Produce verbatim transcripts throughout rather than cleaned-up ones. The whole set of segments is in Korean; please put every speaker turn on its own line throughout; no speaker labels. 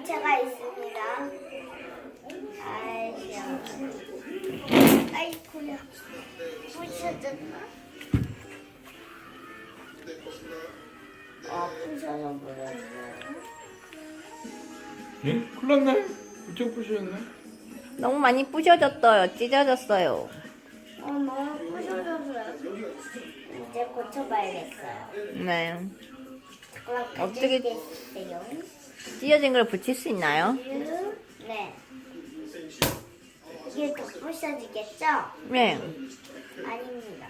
물체가 있습니다. 아이고, 아이고야, 부셔졌나? 아, 부셔져 버렸네.
예? 큰일 났나요? 이쪽 부셨네?
너무 많이 부셔졌어요. 찢어졌어요.
어, 너무 부셔져서요. 이제 고쳐봐야겠어요.
네.
잠깐만,
어떻게-
가져올게요.
찢어진 걸 붙일 수 있나요?
네. 이게 더 부셔지겠죠?
네.
아닙니다.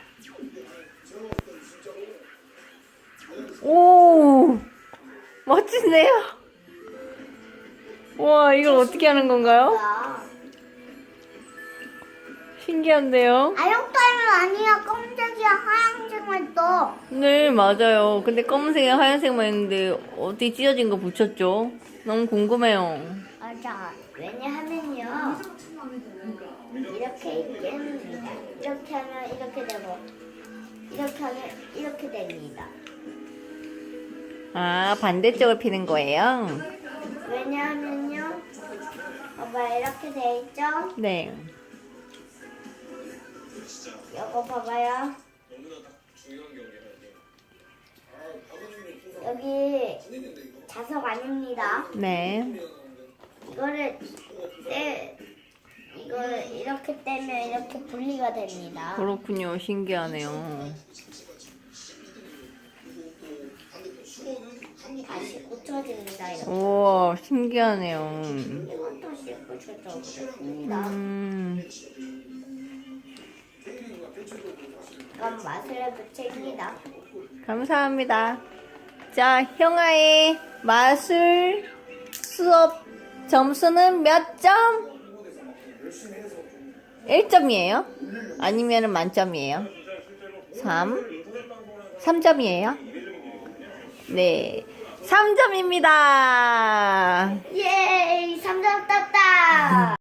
오, 멋진데요? 와, 이걸 어떻게 하는 건가요?
아,
신기한데요?
아역타임은 아니야. 검색이야. 하얀색만 떠.
네, 맞아요. 근데 검은색에 하얀색만 있는데 어떻게 찢어진 거 붙였죠? 너무 궁금해요.
맞아. 왜냐하면요. 이렇게 있겠습니다. 이렇게 하면 이렇게 되고, 이렇게 하면 이렇게 됩니다.
아, 반대쪽을 피는 거예요?
왜냐하면요. 봐봐, 이렇게 돼 있죠?
네.
이거 봐봐요. 여기 자석 아닙니다.
네.
이거를 떼, 이거를 이렇게 떼면 이렇게 분리가 됩니다.
그렇군요. 신기하네요.
다시 고쳐집니다. 이렇게.
우와, 신기하네요.
이것도 씻고 고쳐집니다.
음,
이건 마술의 부채입니다.
감사합니다. 자, 형아의 마술 수업 점수는 몇 점? 일 점이에요? 아니면 만점이에요? 삼? 삼 점이에요? 네. 삼 점입니다.
예, 삼 점 땄다.